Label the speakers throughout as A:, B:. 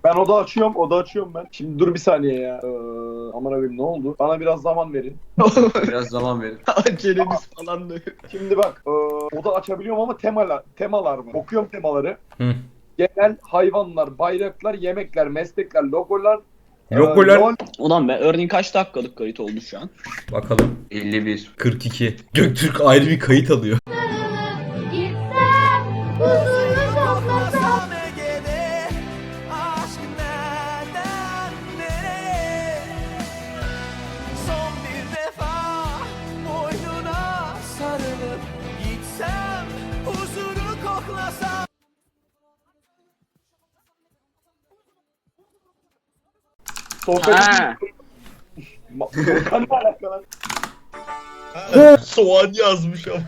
A: Ben oda açıyorum ben. Şimdi dur bir saniye ya. Aman abim ne oldu? Bana biraz zaman verin.
B: Biraz zaman verin.
C: Acelemiz falan da yok.
A: Şimdi bak, oda açabiliyorum ama temalar var. Okuyorum temaları.
D: Hı.
A: Genel hayvanlar, bayraklar, yemekler, meslekler, logolar.
D: Logolar.
A: LOL.
C: Ulan be örneğin kaç dakikalık kayıt oldu şu an?
D: Bakalım.
B: 51.
D: 42. Göktürk ayrı bir kayıt alıyor.
E: Gitsem, huzuru toplasam.
F: Son bir defa boynuna sarılıp gitsem, huzuru koklasam.
A: Sohbet.
C: Ha.
A: Volkan ne alakalı?
G: Soğan yazmış ama.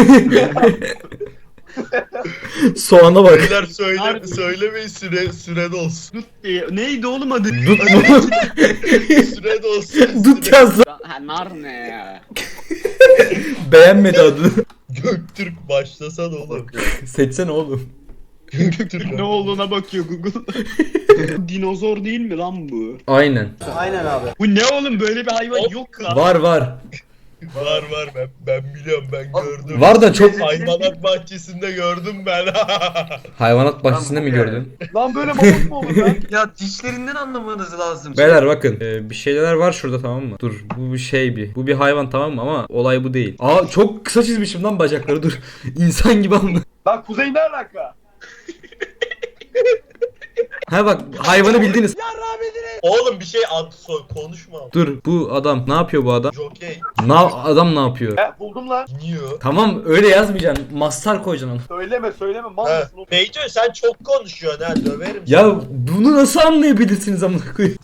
D: Soğana bak.
G: Beyler söylemeyin süre dolsun.
C: Dut diye. Neydi oğlum adı?
D: Dut mu?
G: Süre dolsun.
D: Dut yazdı.
C: Ha nar ne ya?
D: Beğenmedi adını.
G: Göktürk başlasana oğlum.
D: Seçsene oğlum.
G: Göktürk
C: Ne olduğuna bakıyor Google. Dinozor değil mi lan bu?
D: Aynen.
C: Bu ne oğlum böyle bir hayvan yok lan.
D: Var var.
G: Var ben biliyorum ben gördüm.
D: Var da çok...
G: Hayvanat bahçesinde gördüm ben.
D: Hayvanat bahçesinde mi gördün?
A: Lan böyle mamut mu olur lan?
B: Ya dişlerinden anlamanız lazım.
D: Beyler bakın bir şeyler var şurada, tamam mı? Dur, bu bir şey bu bir hayvan, tamam mı, ama olay bu değil. Aa, çok kısa çizmişim lan bacakları, dur. İnsan gibi anla.
A: Lan Kuzey ne alaka?
D: Ha bak, hayvanı bildiniz.
G: Oğlum bir şey konuşma.
D: Dur, bu adam ne yapıyor, bu adam?
G: Jokey
D: Adam ne yapıyor?
A: Buldum lan.
G: iniyor.
D: Tamam, öyle yazmayacaksın. Mastar koyacaksın onu.
A: Söyleme mal
G: Ha.
A: mısın oğlum?
G: Beyco sen çok konuşuyorsun ha, döverim seni.
D: Ya bunu nasıl anlayabilirsiniz amına koyayım?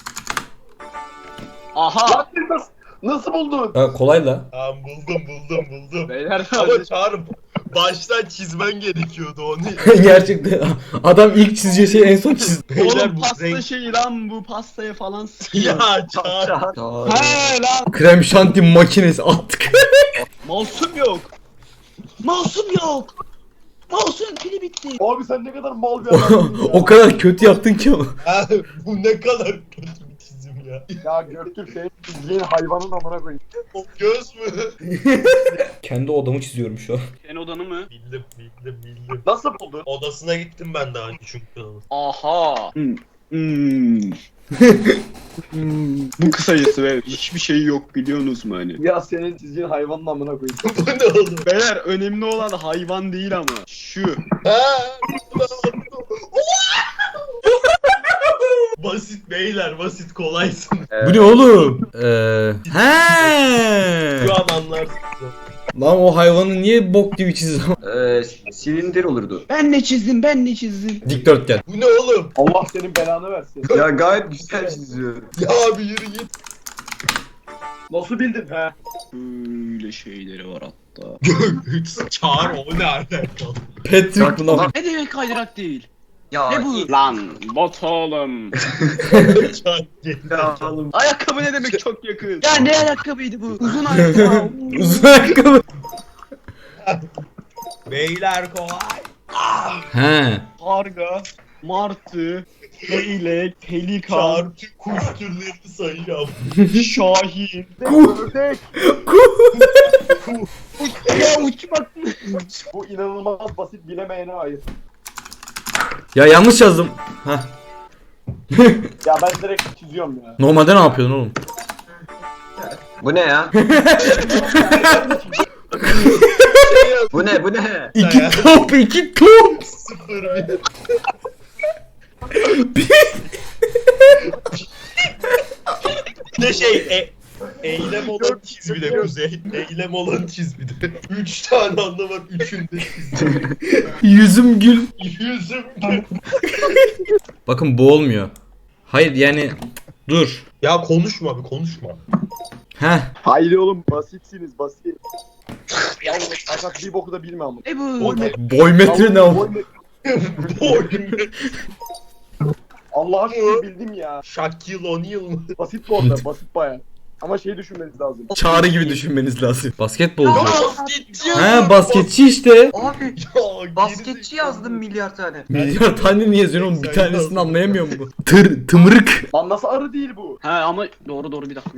C: Aha.
A: Lan nasıl buldun?
D: Ha, kolay la.
G: Tamam buldum.
C: Beyler
G: Ama Çağrı baştan çizmen gerekiyordu onu.
D: Gerçekten adam ilk çizeceği şeyi en son çizdi.
G: Beyler
C: oğlum
G: bu
C: pasta
G: renk...
C: şeyi lan bu pastaya falan sıkıyor.
G: Ya Çağrı.
C: He lan.
D: Krem şanti makinesi attık.
C: Masum yok. Masum yok. Mouse'un pili bitti.
A: Abi sen ne kadar mal bir adamsın ya.
D: O kadar kötü yaptın ki ama.
G: Ha, bu ne kadar kötü bir çizim ya.
A: Ya Göktürk senin çizdiğin hayvanın amına koyayım.
G: O göz mü?
D: Kendi odamı çiziyorum şu an.
C: Senin odanı mı?
G: Bildim.
A: Nasıl buldun?
G: Odasına gittim ben daha önce çünkü.
C: Aha. Bu kısacası ve hiçbir şey yok biliyorsunuz mu hani?
A: Ya senin çizdiğin hayvanın amına koyayım.
G: Bu ne oğlum?
C: Beyler önemli olan hayvan değil ama şu.
G: Ha? Basit beyler, basit kolaysın.
D: Bu ne oğlum? He.
G: Şu an anlarsın.
D: Lan o hayvanı niye bok gibi çizdin?
B: Silindir olurdu.
C: Ben ne çizdim?
D: Dikdörtgen.
G: Bu ne oğlum?
A: Allah senin belanı versin.
B: Ya gayet güzel çiziyor.
G: Ya bir yürü git.
A: Nasıl bildin he?
C: Böyle şeyleri var hatta.
G: Çağır o ne alakalı?
D: Patrick bu lan.
C: Ne demek kaydırak değil?
B: Ya
C: Ne bu? Lan bot oğlum.
G: Çağır gel.
B: Ya oğlum.
C: Ayakkabı ne demek çok yakın? Ya ne ayakkabıydı bu? Uzun ayakkabı.
D: Uzun ayakkabı.
G: Beyler kolay.
D: He.
C: Karga, martı, leylek, pelikan,
G: Çağır tüm kuş türlerini sayacağım.
C: şahin.
A: Ördek.
C: Ya uçmak mı?
A: Bu inanılmaz basit bilemeyene ait.
D: Ya yanlış yazdım. Heh.
A: Ya ben direkt çiziyorum ya.
D: Normalde ne yapıyordun oğlum?
B: Bu ne ya? Bu ne?
D: İki top.
G: 0-1. Ne şey eylem olan çiz bir de Kuzey. Eylem olan çiz bir de. 3 tane anlam var. Üçünde çiz.
D: Yüzüm gül.
G: Yüzüm.
D: Bakın bu olmuyor. Hayır yani dur.
G: Ya konuşma bir konuşma.
D: Heh.
A: Hayır oğlum basitsiniz basit. Ya fakat bir boku da bilmem ama.
C: Ne bu?
D: Boy metre ne o?
A: Allah aşkına bildim ya.
G: Shaquille O'Neal mı?
A: Basit bu arada basit baya. Ama şey düşünmeniz lazım.
D: Çağrı gibi düşünmeniz lazım. Basketbolcu.
G: Basketçi
D: He
G: yazdım.
D: basketçi işte.
B: Abi
G: Ya,
B: basketçi
G: gerizekalı.
B: yazdım milyar tane.
D: Milyar tane niye yazıyorsun oğlum? Bir
G: Sen
D: tanesini
G: yazdın.
D: anlayamıyor mu bu? Tımırık.
A: Lan nasıl arı değil bu?
C: Ha ama doğru bir dakika.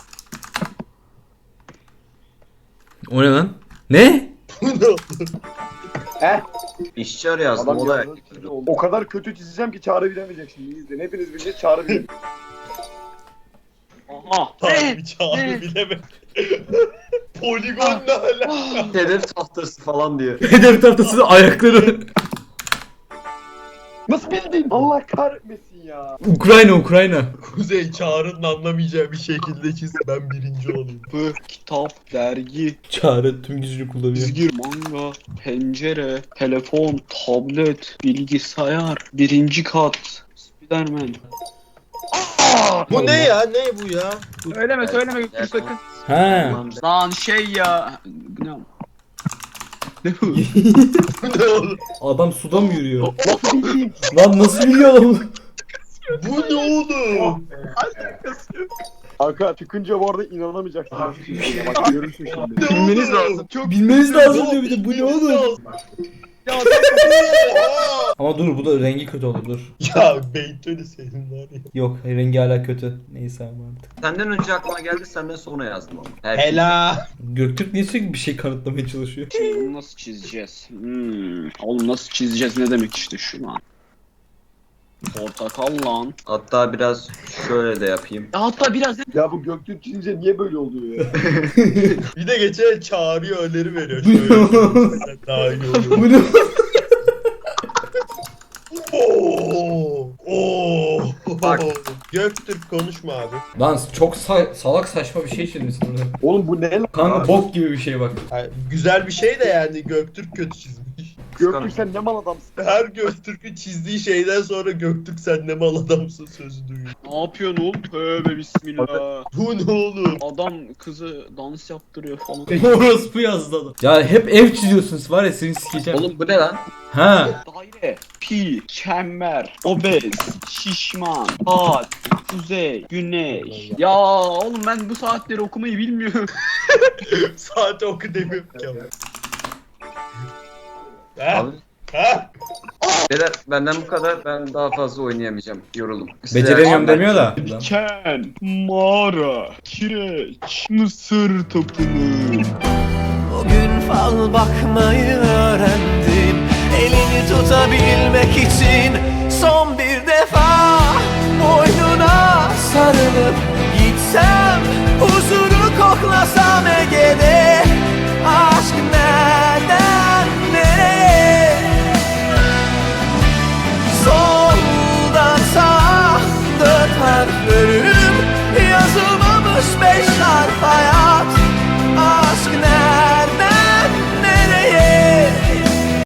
D: O ne lan? Ne?
G: Bu ne oldu?
B: İşçi arı yazdım
A: Adam
B: o da.
A: yazdı, çizdi oldu. O kadar kötü çizeceğim ki Çağrı bilemeyecek şimdi. İzleyin. Hepiniz bileceğiz Çağrı bilemeyecek.
C: Aha.
G: Harbi Çağrı bilemem. Poligon ne alaka?
B: Hedef tahtası falan diye.
D: Hedef tahtasının ayakları.
A: Nasıl bildin? Allah kahretmesin ya.
D: Ukrayna.
G: Kuzey Çağrı'nın anlamayacağı bir şekilde çiz. Ben birinci olayım.
C: Bu kitap, dergi,
D: Çağrı tüm gücünü kullanıyor.
C: çizgi, manga, pencere, telefon, tablet, bilgisayar, birinci kat, Spiderman.
G: Bu ne ya? Ne bu ya?
C: Söyleme Göktürk sakın.
D: He.
C: Lan şey ya. Bu ne? Ne bu?
G: Bu ne oğlum?
D: Adam suda mı yürüyor?
A: Nasıl bildin?
D: Lan nasıl biliyor adam?
G: Bu ne oğlum?
A: Kanka çıkınca bu arada inanamayacaksın. Bak görürsün şimdi.
G: Ne
B: Bilmeniz
G: oğlum?
B: lazım.
G: Çok
D: Bilmeniz lazım diyor bir de bu ne oğlum?
G: oğlum?
D: Ama dur bu da rengi kötü olur dur.
G: Ya Beytölü senin var ya.
D: Yok rengi hala kötü. Neyse ama artık.
B: Senden önce aklıma geldi senden sonra yazdım ama. Herkes-
G: Hela.
D: Göktürk niye sürekli bir şey kanıtlamaya çalışıyor?
C: Bunu nasıl çizeceğiz? Oğlum nasıl çizeceğiz ne demek işte şu lan. Portakal lan.
B: Hatta biraz şöyle de yapayım.
C: Hatta biraz
A: Ya bu Göktürk çizince niye böyle oluyor ya?
G: Bir de geçen Çağrı'ya öneri veriyor.
D: Bu ne
G: Şöyle
D: oğlum?
G: sen daha iyi olur.
D: Bu ne?
G: Oo.
B: Bak.
G: Göktürk konuşma abi.
D: Lan çok salak saçma bir şey çizmişsin orada.
A: Oğlum bu ne lan?
D: Kanka bok gibi bir şey bak.
G: Yani güzel bir şey de yani Göktürk kötü çizmiş.
A: Göktürk sen ne mal adamsın?
G: Her Göktürk'ün çizdiği şeyden sonra Göktürk sen ne mal adamsın sözü duyuyor.
C: ne yapıyorsun oğlum? Tövbe bismillah.
G: Bu ne oğlum?
C: Adam kızı dans yaptırıyor falan.
D: Orospu yazdı adam. Ya hep ev çiziyorsunuz var ya seni sikeceğim.
B: Oğlum bu ne lan?
D: Ha.
C: Daire, pi, çember, obez, şişman, saat, kuzey, güneş. Ya oğlum ben bu saatleri okumayı bilmiyorum.
G: Saate oku demiyorum ki ama. Ha?
B: Abi,
G: Ha?
B: beyler benden bu kadar. Ben daha fazla oynayamayacağım. Yoruldum.
D: Beceremiyorum demiyor da.
C: Diken, mağara, kireç, mısır tapınağı.
F: Bugün fal bakmayı öğrendim. Elini tutabilmek için son bir defa boynuna sarılıp gitsem, huzuru koklasam Ege'de. Aşk nereden nereye? Soldan sağa 4 harflerim yazılmamış 5 harf.